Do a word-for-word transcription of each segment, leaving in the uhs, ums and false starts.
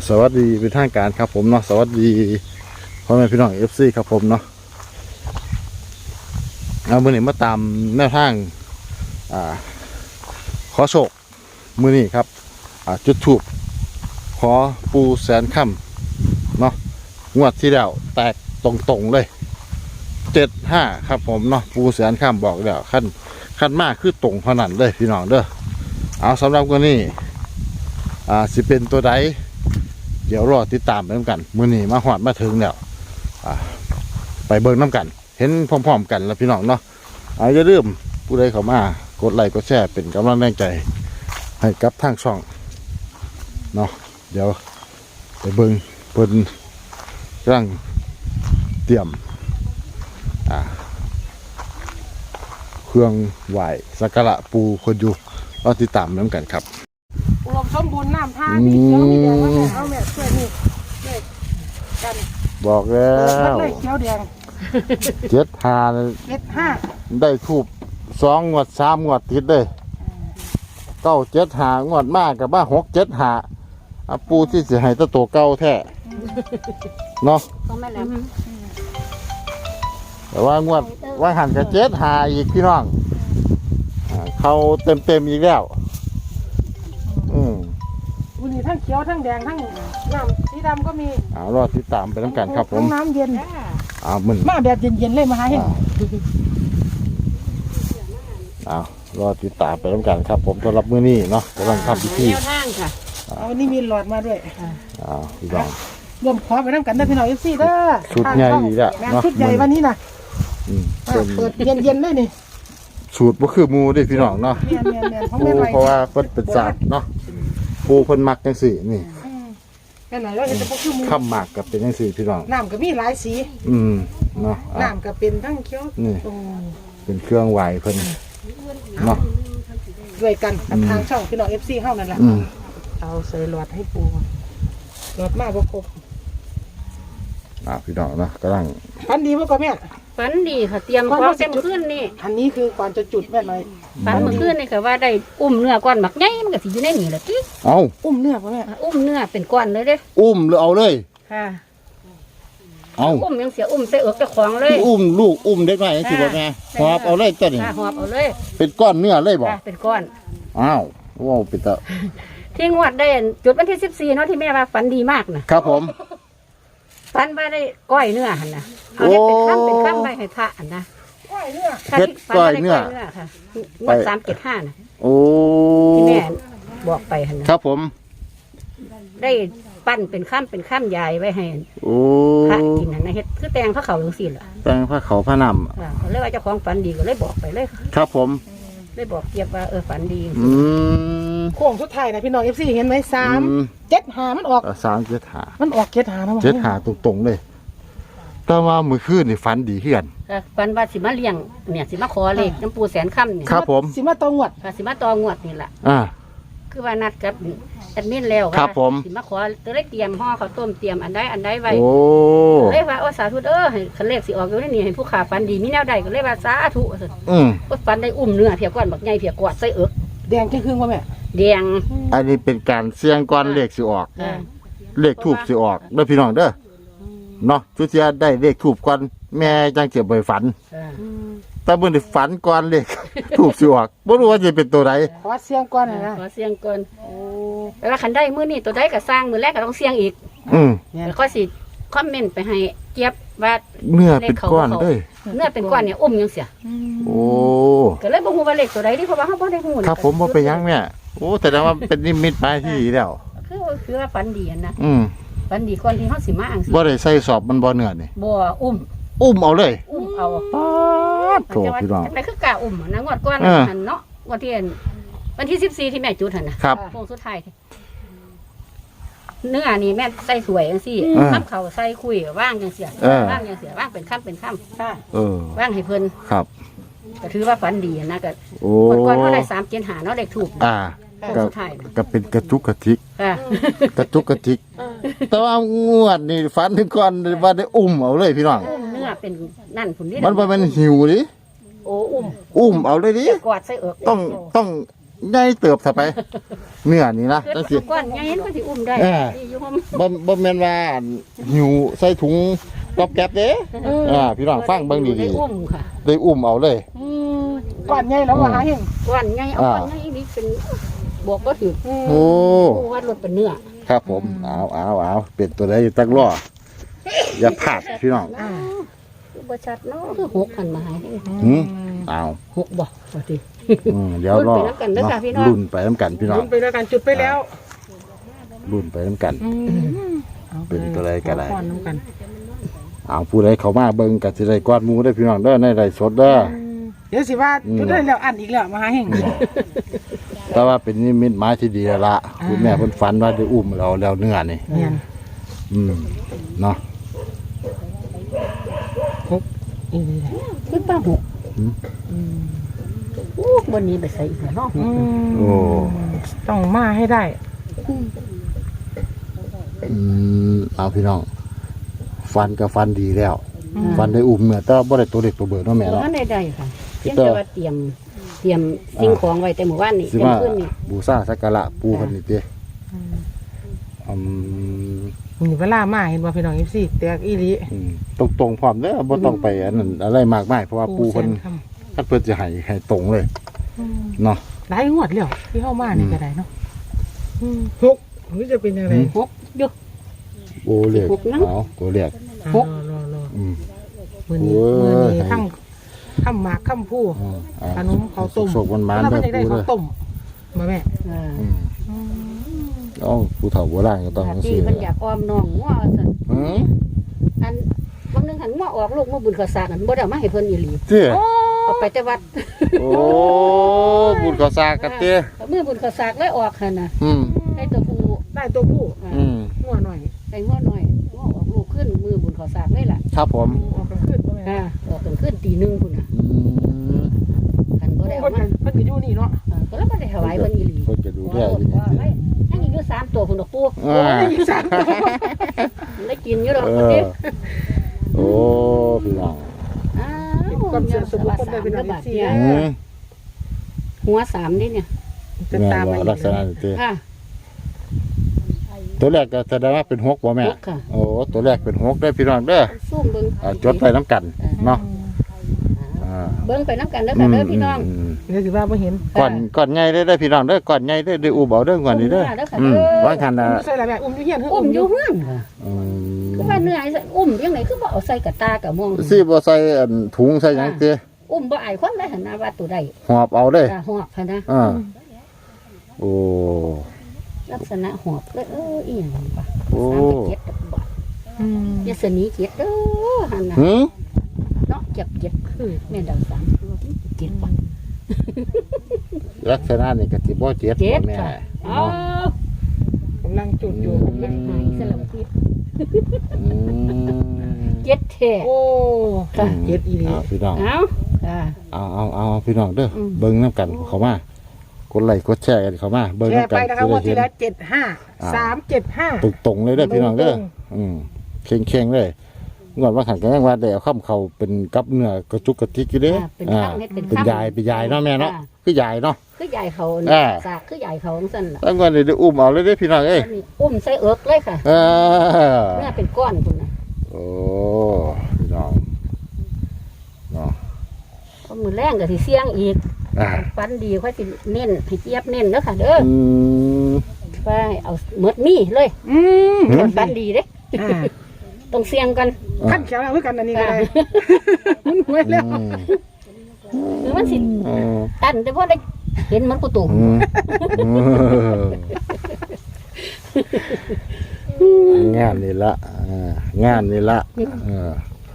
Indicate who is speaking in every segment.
Speaker 1: สวัสดีเป็นทางการครับผมเนาะสวัสดีพ่อแม่พี่น้องเอฟซีครับผมเนาะเอามือนี้มาตามแนวทางอ่าขอโชคมือนี้ครับอ่าจุดถูกขอปูแสนค่ำเนาะงวดที่แล้วแตกตรงๆเลยเจ็ดห้าครับผมเนาะปูแสนค่ำบอกแล้วขั้นขั้นมากคือตรงเท่านั้นเลยพี่น้องเด้อเอาสำหรับวันนี้อ่าสิเป็นตัวใดเดี๋ยวรอติดตามไปน้ำกันมื้อนี้มาหอดมาถึงแล้วไปเบิ่งน้ำกันเห็นพร้อมๆกันแล้วพี่น้องเนาะอย่าลืมผู้ใดเข้ามากดไลค์กดแชร์เป็นกำลังแรงใจให้กับทางช่องเนาะเดี๋ยวไปเบิ่งเพิ่นกำลังเตรียมเครื่องไหว้สักการะปูคนอยู่รอติดตามน้ำกันครับ
Speaker 2: อุดมสมบูรณ์น้ำท่ามีเขียวมีแดงมาแม่เอาแม่ช่วยนี่ช่วยกัน
Speaker 1: บอกแล้ว
Speaker 2: เลยเขียวแดง
Speaker 1: เจ็ดห้า
Speaker 2: เจ็ดห้า
Speaker 1: ได้ทูบสองงวดสามงวดติดเลยเก้าเจ็ดหางวดมากกับบ้าหกเจ็ดหาปูที่เสียหายตัวเก่าแท้เนาะแต่ว่างวดว่าหันกับเจ็ดหาอีกพี่น้องเขาเต็มเต็มอีกแล้วอืม
Speaker 2: วันนี้ทั้งเขียวทั้งแดงทั้งน้ำสีดำก็มี
Speaker 1: เอารอติดตามไปน้ำกันครับผม
Speaker 2: น้ำเย็น
Speaker 1: เอามึน
Speaker 2: มาแบบเย็นๆเลยมาให้
Speaker 1: เอารอติดตามไปน้ำกันครับผมสำหรับมื้อนี้เนาะกำลังทำพิธี
Speaker 2: แนวทางค่ะวันนี้มีหลอดมาด้วย
Speaker 1: อ้าวพี่น้อง
Speaker 2: รวมขอไปน้ำกันได้พี่น้องเอฟซีเด้อ
Speaker 1: ชุดใหญ่อีกแล้วเนาะ
Speaker 2: ชุดใหญ่วันนี้นะเปิดเย็นๆเลยนี่
Speaker 1: สูตรบ่คือหมูดิพี่น้องเนาะปูเพราะว่าเพิ่นเป็นศาสตร์เนาะปูเพิ่นมักจังซี่นี่
Speaker 2: แค่ไหนเราเห็นแต่บ่คือหมู
Speaker 1: ข้ามหมากกับเป็นจังซี่พี่น้อง
Speaker 2: น้ำก็มีหลายสี
Speaker 1: อืมเนาะ
Speaker 2: น้ำก็เป็นทั้งเขียว
Speaker 1: นี่เป็นเครื่องไหว้เพิ่นเนาะ
Speaker 2: ด้วยกันทางช่องพี่น้อง เอฟ ซี เฮานั่นแหละเอาใส่หลอดให้ปูหลอดมาบ่ครบ
Speaker 1: อ่าพี่น้องเนาะกำลัง
Speaker 2: ฝันดีบ่ก็แม่
Speaker 3: ฝันดีค่ะเตรียมพร้อมเต็มขึ้นนี่
Speaker 2: อันนี้คือก่อนจะจุดแม่หน่อย
Speaker 3: ฝันเมื่อคืนนี่ค่ะว่าได้อุ้มเนื้อก้อนหมักใหญ่มันก็สิอยู่ในนี่แหละติ๊ก
Speaker 1: เอา
Speaker 2: อุ้มเนื้อบ่แม่
Speaker 3: อุ้มเนื้อเป็นก้อนเลยเด้
Speaker 1: อุ้มหรือเอาเลย
Speaker 3: ค่ะ
Speaker 1: เอา
Speaker 3: อุ้มยังเสียอุ้มใส่เอิกเจ้าของเลย
Speaker 1: อุ้มลูกอุ้มเด็กน้อยจังซี่บ่แม่หอบเอาเลยตัวนี้
Speaker 3: หอบเอาเลย
Speaker 1: เป็นก้อนเนื้อเลยบ่
Speaker 3: เป็นก้อน
Speaker 1: อ้าวว้าวเป็นตา
Speaker 3: ที่งวดได้จุดวันที่สิบสี่เนาะที่แม่ว่าฝันดีมากนะครับ
Speaker 1: ผม
Speaker 3: ฝันว่าได้ก้อยเนื้อหั่นน่ะเอาเฮ็ดเป็นค่ำเป็นค่ำไปให้พระหั่นนะ
Speaker 2: ก้อยเนื้อ
Speaker 1: เฮ็ดก้อยเนื้อ
Speaker 3: ค่ะงวดสามเจ็ดห้าน่ะ
Speaker 1: โอ้
Speaker 3: ที่แม่บอกไปหั่น
Speaker 1: นะครับผม
Speaker 3: ได้ปั้นเป็นค่ำเป็นค่ำยายไว้ให้
Speaker 1: โอ้
Speaker 3: พระกินหั่นนะเฮ็ดคือแตงพระเขาจังซี่ล่ะ
Speaker 1: แตงพระเขาพระนำ
Speaker 3: ค่ะเลยว่าเจ้าของฝันดีก็เลยบอกไปเลย
Speaker 1: ครับผม
Speaker 3: เลยบอกเกียบว่าเออฝันดี
Speaker 1: อืม
Speaker 2: โค้งสุดท้ายนะพี่น้อง เอฟ ซี เห็นไหมสามเจ็ดห้ามันออก
Speaker 1: สามเจ็ดห้า
Speaker 2: มันออกเจ็ดห้านะ
Speaker 1: เจ็ดห้าตรงๆเลยแต่ว่ามื้อคืนนี่ฝันดีขึ้น
Speaker 3: ฝันว่าสิมาเลี้ยงเนี่ยสิมาขอเลขน้ำปูแสนค่ำเนี่ย
Speaker 1: ครับผม
Speaker 2: สิมาตองวด
Speaker 3: สิมาตองวดนี่แหละ
Speaker 1: อ่า
Speaker 3: คือว่านัดกับแอดมินแล้ว
Speaker 1: ครับผม
Speaker 3: สิมาขอจะได้เตรียมห่อข้าวต้มเตรียมอันใดอันใดไว้
Speaker 1: โอ้
Speaker 3: เลยว่าโอ้สาธุเออให้คันเลขสิออกอยู่ในนี่ให้ผู้ขาฝันดีมีแนวใดก็เลยว่าสาธุ
Speaker 1: อืม
Speaker 3: ก็ฝันได้อุ้มเนื้อเพียก้อนบักใหญ่เพียกวาดใส่เอิก
Speaker 2: แดงครึ่งๆว่าแม่
Speaker 3: แดง
Speaker 1: อันนี้เป็นการเสี่ยงก่อนเลขสิออกเลขทูบสิออกเด้อพี่น้องเด้อเนาะทุกเสียได้เลขทูบก่อนแม่จังเจ็บบ่ฝันแต่เมื่อได้ฝันก่อนเลขทูบสิออกบ่รู้ว่าจะเป็นตัวใด
Speaker 2: ขอเสี่ยงก่อนนะ
Speaker 3: ขอเสี่ยงก่อนโอ้แต่ว่าคันได้มื้อนี้ตัวใดก็สร้างมื้อแรกก็ต้องเสี่ยงอีก
Speaker 1: อืม
Speaker 3: แล้วก็สิคอมเมนต์ไปให้เจี๊ยบว่า
Speaker 1: เนื้อเป็นก้อนเด้อ
Speaker 3: เนื้อเป็นก้อนเนี่ยอุ้มยังเสีย
Speaker 1: โอ้
Speaker 3: ก็เลยบ่ฮู้ว่าเลขตัวใดดิเพราะว่าเฮาบ่ได้ฮู้
Speaker 1: ครับผมบ่ไปยังแม่โอ้แต่ว่าเป็นนิมิตหมายที่ดีแล้ว
Speaker 3: คือคือว่าฝันดีนะ
Speaker 1: อืม
Speaker 3: ฝันดีก่อนที่เฮาสิมาอังสิ
Speaker 1: บ่ได้ใส่สอบมันบ่เนื้อนี่
Speaker 3: บ่อุ้ม
Speaker 1: อุ้มเอาเลย
Speaker 3: อุ้มเอา
Speaker 1: ป๊าดโตพี่น้อง
Speaker 3: จังได๋คือกะอุ้มนะงวดก่อนหั่นเนาะงวดที่วันที่สิบสี่ที่แม่จุดหั่นน่ะโค้งสุดท้ายเนื้อนี่แม่ใส่สวยจังซี่น้ำเขาใส่คุยว่างจังเสียว่างจังเสียว่างเป็นค่ำเป็นค่ำค่ะ
Speaker 1: เออ
Speaker 3: ว่างให้เพิ่น
Speaker 1: ครับ
Speaker 3: ก็ถือว่าฝันดีนะก็
Speaker 1: โอ้
Speaker 3: ก่อนเท่าไรสามเจ็ดหาเนาะเลขถูก
Speaker 1: อ่าก็ก็เป็นกระจุกกระทิกกระจุกกระทิกแต่ว่างวดนี่ฝันถึงก่อนว่าได้อุ้มเอาเลยพี่น้อง
Speaker 3: เนื้อเป็นนั่นผุนนี่
Speaker 1: มันบ่แม่นหิวดิ
Speaker 3: โอ้อุ้ม
Speaker 1: อุ้มเอาเลยดิ
Speaker 3: กอดใส่เอิก
Speaker 1: ต้องต้องใหญ่เติบซะไปเนื้อนี่นะ
Speaker 3: เกิ
Speaker 1: จั
Speaker 3: ด
Speaker 1: งสิ
Speaker 3: ก้อนใหญ่มันก็สิอุ้มได้
Speaker 1: เออ
Speaker 3: ที่อยู่ห้อง
Speaker 1: บ่บ่แม่นว่าหิวใส่ถุงก๊อบแก๊บเด้อ่าพี่น้องฟังเบิ่ง
Speaker 3: ได้
Speaker 1: ดี
Speaker 3: อุ้มค่ะ
Speaker 1: ๆได้อุ้มเอาเลย
Speaker 2: อืมก่อนใหญ่แล้วว่าหาเฮง
Speaker 3: ก้อนใหญ่เอา
Speaker 1: อ่า
Speaker 3: ก้อนใหญ่นี่เป็นบวกบ่ถือ
Speaker 1: โอ้
Speaker 3: ผู้วัดรถเป็นเนื้อ
Speaker 1: ครับผมเอาเอาเอาเป็นตัวใดอยู่ตักล้ออย่าพลาดพี่น้อง
Speaker 3: อ่าคือบ่ชัดเนาะคือหกพันมาให้
Speaker 1: หืมเอา
Speaker 3: หกบ่ว่าติ
Speaker 1: อืมเดี๋ยวรอ
Speaker 3: ลุ้นไปนำกันเด้อค่ะพี่น้อง
Speaker 1: ลุ้นไปน้ำกันพี่น้อง
Speaker 2: ลุ้นไปแล้วกันจุดไปแล้ว
Speaker 1: ลุ้นไปน้ำกัน
Speaker 2: อา
Speaker 1: เป็นตัวใดก็ได้
Speaker 2: ขอพรน้ำกัน
Speaker 1: เอาผู้ใดเขามาเบิ่งกับสิได้กอดหมูได้อพี่น้องเด้อในไร่สดเด้อ
Speaker 2: เดี๋ยวสิว่า
Speaker 1: อืม
Speaker 2: จุดได้แล้วอันอีกแล้วมาหาเฮง
Speaker 1: แต่ว่าเป็นนิมิตหมายที่ดีแล้วละคุณแม่เพิ่นฝันว่าได้อุ้มเราแล้วเนื้อนี่
Speaker 2: เนี่ย
Speaker 1: อืมเนาะ
Speaker 2: อีนี่แหละ
Speaker 3: คือป้าหก
Speaker 1: หืม
Speaker 3: โอ้บนนี้ไปใส่อีกแล้วเนาะ
Speaker 2: อืม
Speaker 1: โอ้
Speaker 2: ต้องมาให้ได้
Speaker 1: อืมเอาพี่น้องฟันกับฟันดีแล้ว
Speaker 2: อืม
Speaker 1: ฟันได้อุ้มเมื่อแต่บ่ได้ตัวเด็กตัวเบิดเนาะแม่
Speaker 3: บ่
Speaker 1: เนาะ
Speaker 3: ทันได้ได้ค่ะเพียงแต่ว่าเตรียมเตรียมสิ่งของไว้แต่หมู่บ้านนี่
Speaker 1: สิ
Speaker 3: เต็ม
Speaker 1: มา
Speaker 3: ขึ้นนี่
Speaker 1: บูชาสักการะปู่เพิ่นนี่ติ
Speaker 2: อืม
Speaker 1: อืม
Speaker 2: มีเวลามาเห็นบ่พี่น้อง เอฟ ซี แตกอีหลี
Speaker 1: อืมตรงๆพร้อมเด้อบ่ต้องไปอันนั้นอะไรมากมายเพราะว่าปู่เพิ่น
Speaker 2: แสค
Speaker 1: คันเพิ่นสิให้ให้ตรงเลย
Speaker 2: ำอืม
Speaker 1: เนาะ
Speaker 2: หลายงวดแล้วที่เข้ามานี่ก็ได้เนาะอืมหกหรือจะเป็นยังไง
Speaker 1: อืม
Speaker 3: หกอยู่
Speaker 1: โอ้เรียก
Speaker 3: หกนัง
Speaker 1: เอาตัวเรียก
Speaker 2: อ่ะ
Speaker 3: หก
Speaker 2: รอรอรอ
Speaker 1: อืม
Speaker 2: มือนี้
Speaker 1: โอ้ย
Speaker 2: มือนี้ทั้งข้ามหมากข้ามผู้
Speaker 1: อ่าอ่า
Speaker 2: ขนมข้าวต้ม
Speaker 1: โศกมันมัน
Speaker 2: แล้ว
Speaker 1: เด้
Speaker 2: ก็
Speaker 1: อ
Speaker 2: จะได้
Speaker 1: ปู่
Speaker 2: ข้า
Speaker 1: เด้
Speaker 2: ว
Speaker 1: อ
Speaker 2: ต้มมาแม่
Speaker 3: เออ
Speaker 1: อืม
Speaker 2: อืม
Speaker 1: เอ้าผู้เฒ่าโบราณก็ต้องจัง
Speaker 3: ที่
Speaker 1: ซี่
Speaker 3: มันอยากออมน้องงัวซั่น
Speaker 1: หือ
Speaker 3: อันบางนึงหันงัวออกลูกมาบุญข้าวสารอันบ่ได้เอามาให้เพิ่นอีหลี
Speaker 1: เจ้
Speaker 3: เอาไปแต่วัด
Speaker 1: โอ้บุญข้าวสากกันเจ้
Speaker 3: เอามือบุญข้าวสากเลยออกหั่นน่ะ
Speaker 1: อืม
Speaker 3: ได้ตัวผู้
Speaker 2: ได้ตัวผู้
Speaker 3: อ่า
Speaker 1: อืม
Speaker 2: หัวหน่อย
Speaker 3: ได้งัวน้อยงัวออกลูกขึ้นมือบุญข้าวสากเลยล่ะ
Speaker 1: ครับผม
Speaker 2: ออกกลางคืนบ่แม่
Speaker 3: อ่าออกกันขึ้นตีหนึงพุ่นน่ะ
Speaker 1: อืม
Speaker 3: อันบ่ได้
Speaker 2: เพิ่
Speaker 3: เอา
Speaker 2: น
Speaker 3: มา
Speaker 2: ก็เพิ่นก็อยู่นี่เนาะ
Speaker 3: อ่าก็แล้วก็ได้ถวายเพิ่นอีหลี
Speaker 1: เพิ่นจะดูแลอยู่นี่
Speaker 3: ว่าไว้ยังอีกอยู่สามตัวพุ่นดอกปู
Speaker 1: อ่า
Speaker 2: ได้อยู่สามตัว
Speaker 3: ได้กินอยู่ดอก
Speaker 1: เอ
Speaker 3: พุ่น
Speaker 1: อ
Speaker 3: เด้
Speaker 1: โอ้พี่น้อง
Speaker 3: อ้าว
Speaker 2: ความเชื่อส่วนบุคคลได้เป็น
Speaker 3: สาม
Speaker 2: อะไร
Speaker 3: บาท
Speaker 2: สิ
Speaker 3: เนี่ย
Speaker 1: อืม
Speaker 3: หัวสามนี่เนี่ย
Speaker 2: จะ
Speaker 1: แม่
Speaker 2: ตาม
Speaker 1: ว่า
Speaker 2: มา
Speaker 1: ลักษณะนี้เจ้
Speaker 3: ค่ะ
Speaker 1: ตัวแรกก็แสดงว่าเป็นหกบ่แม่
Speaker 3: หกค่ะ
Speaker 1: โอ้ตัวแรกเป็นหกได้อพี่น้องเด้อ
Speaker 3: ซุ่มเบิ่ง
Speaker 1: อ่าจดไปน้ำกันเนาะ
Speaker 3: อ่า
Speaker 1: อ่า
Speaker 3: เบิ่งไปน้ำกันเด้อค่ะเด้อพี่น้อง
Speaker 1: ม
Speaker 2: เดี๋ยวสิว่าบ่เห็น
Speaker 1: ก่อนก่อนใหญ่ได้อได้อพี่น้องเด้อก่อนใหญ่ได้อได้ออูเบาเด้อก่อนนี้เด้อ
Speaker 3: อุ้มมาเด้อค่ะ
Speaker 1: อืม
Speaker 3: เด้อ
Speaker 1: ว่าคันน่ะ
Speaker 2: อุ้มใส่ละแม่อุ้มอยู่เฮียน
Speaker 3: อุ้มอยู่เฮือนค่ะ
Speaker 1: อืม
Speaker 3: คือว่าเหนื่อยซะอุ้มยังไงคือบ่เอาใส่กระตากระมอง
Speaker 1: สิบ่ใส่อันถุงใส่หยังเจ้
Speaker 3: อุ้มบ่อายคนได้หั่นนะว่าตัวใด
Speaker 1: หอบเอาเด้อ
Speaker 3: อ่าหอบค่ะนะ
Speaker 1: อ่าโอ้
Speaker 3: ลักษณะหอบเลยเอออีหยังวะ
Speaker 1: โอ้
Speaker 3: สามไปเจ็ดดอกบ่
Speaker 2: อืม
Speaker 3: ยาสนีเจ็ดเด้อหั่นน่ะ
Speaker 1: หืม
Speaker 3: เนาะเจ็บเจ็ดคือแม่นดาวสามเจ็ดบ่
Speaker 1: ลักษณะนี่ก็สิบ่เจ็ด
Speaker 3: เจ็ด
Speaker 1: บ่แม่
Speaker 3: ค่ะอ๋อ
Speaker 2: กำลังจุดอยู่
Speaker 3: เจ็ดหายสลับพิษ
Speaker 1: อืม
Speaker 3: เจ็ดแท้
Speaker 2: โอ้
Speaker 3: ค่ะ
Speaker 2: เจ็ดอีหลี
Speaker 1: เอาพี่น้อง
Speaker 3: เอาค่ะ
Speaker 1: เอาเอาเอาพี่น้องเด้ออ
Speaker 3: ม
Speaker 1: เบิ่งน้ำกันเข้ามากดไลค์กดแชร์กันเข้ามาเบิ่ง
Speaker 2: แชร์
Speaker 1: น้ำกั
Speaker 2: ไป
Speaker 1: น
Speaker 2: นะคะ
Speaker 1: สิ
Speaker 2: ว่า
Speaker 1: ได้
Speaker 2: ที
Speaker 1: เห็น
Speaker 2: ละเจ็ดห้า
Speaker 1: อ่า
Speaker 2: สามเจ็ดห้า
Speaker 1: ตรงๆเลยเด้อพี่น้องเด้อ
Speaker 2: ตรง
Speaker 1: อืมเข่งๆเลยงวดว่าขันกันยังว่าได้เอาข้ามเขาเป็นกับเนื้อกระจุกกระติกอยู่เด้
Speaker 3: อ่าเป็น
Speaker 1: อ่า
Speaker 3: ข้างเฮ็ดเป็น
Speaker 1: เป็น
Speaker 3: ข้าง
Speaker 1: ยายเป็นยายเนาะแม่เนาะ
Speaker 3: อ่า
Speaker 1: คือยายเนาะ
Speaker 3: คือใหญ่เขา
Speaker 1: อ่า
Speaker 3: สากคือใหญ่เขาจังซั่นล่ะ
Speaker 1: แล้วงวดนี้ได้อุ้มเอาเลยเด้อพี่น้องเอ้ย
Speaker 3: อันนี้อุ้มใส่เอิกเลยค่ะ
Speaker 1: เออ
Speaker 3: เนื้อเป็นก้อนพุ่นน่ะ
Speaker 1: โอ้พี่น้องเนาะ
Speaker 3: พอมื้อแรงก็สิเสี่ยงอีก
Speaker 1: อ่า
Speaker 3: ฟันดีค่อยสิเน้นให้เจี๊ยบเน้นเด้อค่ะเด้อ
Speaker 1: อืม
Speaker 3: ไปเอาหมดมีเลย
Speaker 2: อืม
Speaker 1: หืม
Speaker 3: ฟันดีเด้
Speaker 2: อ่า
Speaker 3: ต้องเสี่ยงกัน
Speaker 2: ขั้นแขวเอาคือกันอันนี้ก็ได้มันหวยแล้ว
Speaker 1: อืม
Speaker 3: หรือมันสิ
Speaker 1: อืม
Speaker 3: ตันแต่พอได้เห็นมันกูตุ่ม
Speaker 1: อืมอืมงานนี่ละอ่างานนี่ละเออ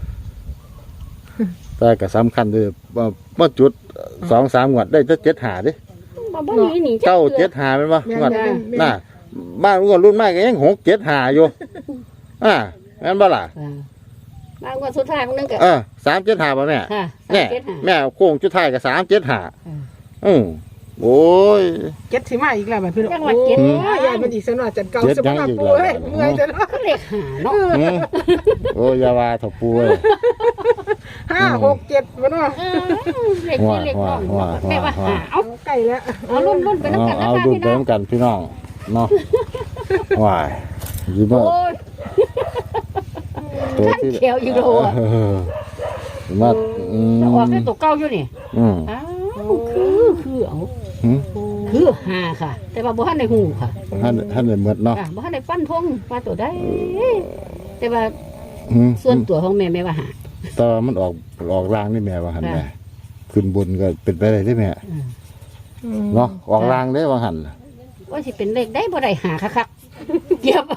Speaker 1: แต่ก็สำคัญด้วยว่าเมื่อจุดสองสามงวดได้จะเจ็ดหาดิ
Speaker 3: บ่บ่มีหนี
Speaker 1: เจ้า
Speaker 3: ทื่อ
Speaker 1: เจ็ดหาเป็นปะ
Speaker 2: แม่น
Speaker 1: งวด
Speaker 2: แม่นแม่น
Speaker 1: น่ะบ้านงวดรุ่นใหม่ก็ยังหกเจ็ดหาอยู่อ่างั้นบ่ล่ะ
Speaker 3: อ่าบางวันสุดท้ายมันนึงก็
Speaker 1: เออสามเจ็ดหาป่ะแม่
Speaker 3: ค่ะ
Speaker 1: แม่
Speaker 3: สามเจ็ดห้า
Speaker 1: แม่โค้งจุดท้ายกับสามเจ็ดหา
Speaker 3: อืม
Speaker 1: อืมโอ้ย
Speaker 2: เจ็ดสิมาอีกแล้วบัดพี่น้อง
Speaker 3: จังหวัดเจ็ด
Speaker 2: โอ้ยยายมันอีกสักหน่อยจัดเก่า
Speaker 1: เจ็ด
Speaker 2: สม
Speaker 1: ยัง
Speaker 2: กับ
Speaker 1: อีก
Speaker 2: ปู
Speaker 1: แล้ว
Speaker 2: เฮ้ยเมื่อยจะเนาะ
Speaker 3: ก็เลขหาเนาะ
Speaker 1: อืมโอ้ยอยาวาถปูเอ้ย
Speaker 2: ห้าหกเจ็ดมาเนาะ
Speaker 3: เออเลขที่เลขน้อง
Speaker 1: ว่าว่า
Speaker 3: แม่ว่า
Speaker 1: ว่า
Speaker 3: หาเอา
Speaker 2: ไก่ล้ๆแล้ว
Speaker 3: เอารุ่นรุ่นไป
Speaker 1: เอา
Speaker 3: น้ำกันนะ
Speaker 1: เอา
Speaker 3: คะ
Speaker 1: ดู
Speaker 3: พี่
Speaker 1: ไป
Speaker 3: น้อง
Speaker 1: น้ำกันพี่น้องเนาะว้ายยิ้มว่า
Speaker 3: โอ้ย
Speaker 1: ตัวที่
Speaker 3: ท่านเขียวอยู่โดอะ
Speaker 1: เออยิ้มว่าอืม
Speaker 3: จะออกได้ตัวเก้าอยู่นี่
Speaker 1: อืม
Speaker 3: อ้าวคือคือเอา
Speaker 1: หืม
Speaker 3: คือหาค่ะ แต่ว่าบ่ทันได้หูค่ะ
Speaker 1: ท่านท่านได้หมดเนาะ
Speaker 3: อ่ะบ่ทันได้ฟันธงว่าตัวได้แต่ว่า
Speaker 1: หืม
Speaker 3: ส่วนตัวของแม่แม่ว่าหา
Speaker 1: ตอนมันออกออกรางนี่แม่ว่าหัน
Speaker 3: ค่ะ
Speaker 1: แม่ขึ้นบนก็เป็นไปได้ที่แม่เนาะออกรางได้ว่าหัน
Speaker 3: ว่าสิเป็นเลขได้บ่ได้หาคักๆเก็บ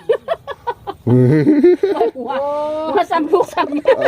Speaker 3: หัวหัวซ้ำลูกซ้ำเมีย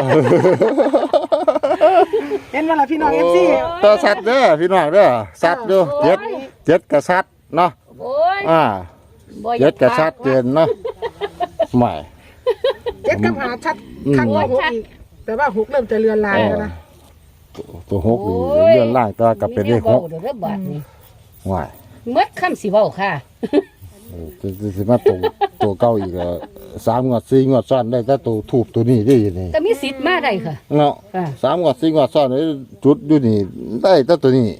Speaker 2: เห็นว่าล่ะพี่น้องเอฟซี
Speaker 1: ต่อสัตว์เด้อพี่น้องเด้อสัตว์ดูเจ็ดเจ็ดกับสัตว์เนาะ
Speaker 3: โอ้ย
Speaker 1: อ่า
Speaker 3: บ่อ
Speaker 1: เจ็
Speaker 3: ยา
Speaker 1: ดกับสัตว์เจนเนาะใหม่
Speaker 2: เจ็ดกับหาชัด
Speaker 1: อืม
Speaker 2: ข้างว่าหกอีกแต่ว่าหกเริ่มจะเลือนลายแล้วนะ
Speaker 1: ตัวหกนี่เลื่อนล่างตัวกับเป็นเลขหก
Speaker 3: มีแนวว้าเดี๋ยวเด้อบาดนี้
Speaker 1: ใหม่
Speaker 3: เมื่อคำสิเว้าค่ะ
Speaker 1: จะจะสิมาตัวตัวเก้าอีกแล้วสามงวดสี่งวดซ้อนได้แต่ตัวถูกตัวนี้ได้อยู่นี่
Speaker 3: ก็มีสิทธิ์มาได้ค่ะ
Speaker 1: เนาะ
Speaker 3: ค่ะ
Speaker 1: สามงวดสี่งวดซ้อนได้จุดอยู่นี่ได้แต่ตัวนี้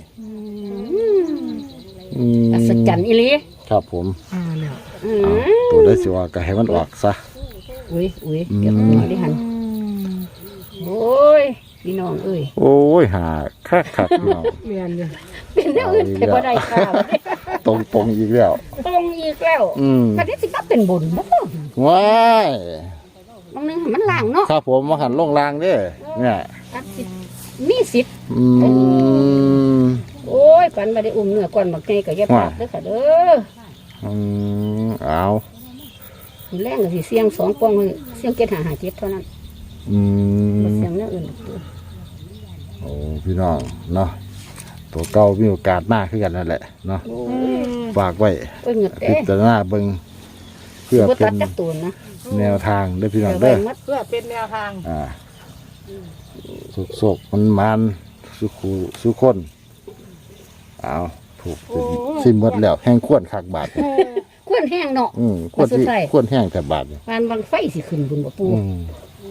Speaker 1: อืม
Speaker 3: อัศจรรย์อีหลี
Speaker 1: ครับผม
Speaker 2: อ่าแล้ว
Speaker 3: อื
Speaker 1: อ่าม ตัวได้สิว่าก็ให้มันออกซะ
Speaker 3: อุ้ยอุ้ยเก็บหัวดิหันโอ้ยพี่น้องเอ้ย
Speaker 1: โอ้ยหาคักคักพี่น้อง
Speaker 2: เรียนอยู่
Speaker 3: เป็นแนวอื่นแต่บ่ได้ค่ะ
Speaker 1: ตรงตรงอีกแล้ว
Speaker 3: ตรงอีกแล้ว
Speaker 1: อืม
Speaker 3: คันนี้สิก็เป็นบุญบ่
Speaker 1: ว้าย
Speaker 3: บางนึงมันล่างเนาะ
Speaker 1: ครับผมมาหันลงรางเด้อเนี่ย
Speaker 3: อาจสิมีสิทธิ์
Speaker 1: อืม
Speaker 3: โอ้ยปันบ่ได้อุ้มเนื้อก่อนบักไงก็อย่าพลาดเด้อค่ะเด้อ
Speaker 1: อืมเอา
Speaker 3: มื้อแรงก็สิเสียงสองปองเสียงเจ็ดห้าห้าเจ็ดเท่านั้น
Speaker 1: อื
Speaker 3: บ่
Speaker 1: ม
Speaker 3: เสียงแนวอื่น
Speaker 1: โอ้พี่น้องเนาะตัวเก่ามีโอกาสมากขึ้นกันนั่นแหละเนาะ
Speaker 3: โอ้ย
Speaker 1: ฝากไว้
Speaker 3: โอ้ยเหงือก
Speaker 1: พิ
Speaker 3: เด้
Speaker 1: จารณาเบิ่งเพื่อ
Speaker 3: บ่
Speaker 1: เป็
Speaker 3: ตัด
Speaker 1: น
Speaker 3: จักตัวนะ
Speaker 1: แนวทางเด้อพี่น้อง
Speaker 3: เดี๋ยว
Speaker 1: เด้อ
Speaker 3: ไว้หมด
Speaker 2: เพื่อเป็นแนวทาง
Speaker 1: อ่าสุกสุกมันมันสุขูสุคนเอาถูกเป็นสิ้นหมดแล้วแห้งขวนคักบาทนี่
Speaker 3: ควรแห้งเนาะ
Speaker 1: อืมขวนที่
Speaker 3: สุดท้าย
Speaker 1: ขวนแห้งแต่บาทนี่
Speaker 3: ปานบางไฟสิขึ้นบุญบ่ปู
Speaker 1: อืม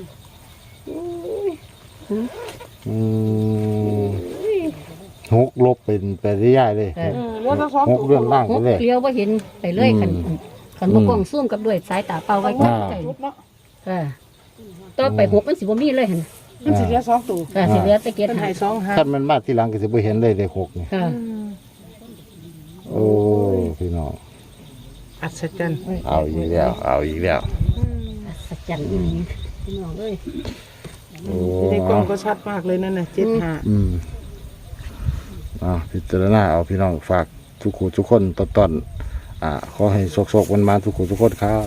Speaker 1: อืมหกลบเป็นไปได้ยายเลย
Speaker 3: เออ
Speaker 2: เออเลือดทั้งสอง
Speaker 1: หกเรื่องล่าง
Speaker 3: ห
Speaker 1: ไป
Speaker 3: ก
Speaker 1: เลย
Speaker 3: เลี้ยวบ่เห็นไปเลยคัน
Speaker 1: อืม
Speaker 3: คันบ่กล้องซูมกับด้วยสายตาเปล่าไว้ใก
Speaker 1: อ่า
Speaker 3: ล้
Speaker 2: ชุดเนาะ
Speaker 3: ๆเออต่อไปหกมันสิบ่มีเลยหั่น
Speaker 2: มันสิเหลือสองตัว
Speaker 3: เออสิเหลือแต่เกียร
Speaker 2: เป็น
Speaker 3: ติ
Speaker 2: ไห้
Speaker 3: หา
Speaker 2: สองหา
Speaker 1: ถ้ามันมาที่หลังก็จะไปเห็นเลยเลขหกนี่
Speaker 3: ค่ะ
Speaker 1: โอ้พี่น้อง
Speaker 2: อัศจรรย์
Speaker 1: เอาอีกแล้ว เอาอีกแล้ว
Speaker 3: สัจจันอีหลีพี่น้องเอ้ย
Speaker 1: โอ้
Speaker 2: ในกล้องก็ชัดมากเลยนั่นน่ะเจ็ดหา
Speaker 1: อืมอ่าพิจารณาเอาพี่น้องฝากทุกคนทุกคนต้นต้นๆอ่าขอให้โชคๆมันมาทุกคนทุกคนครับ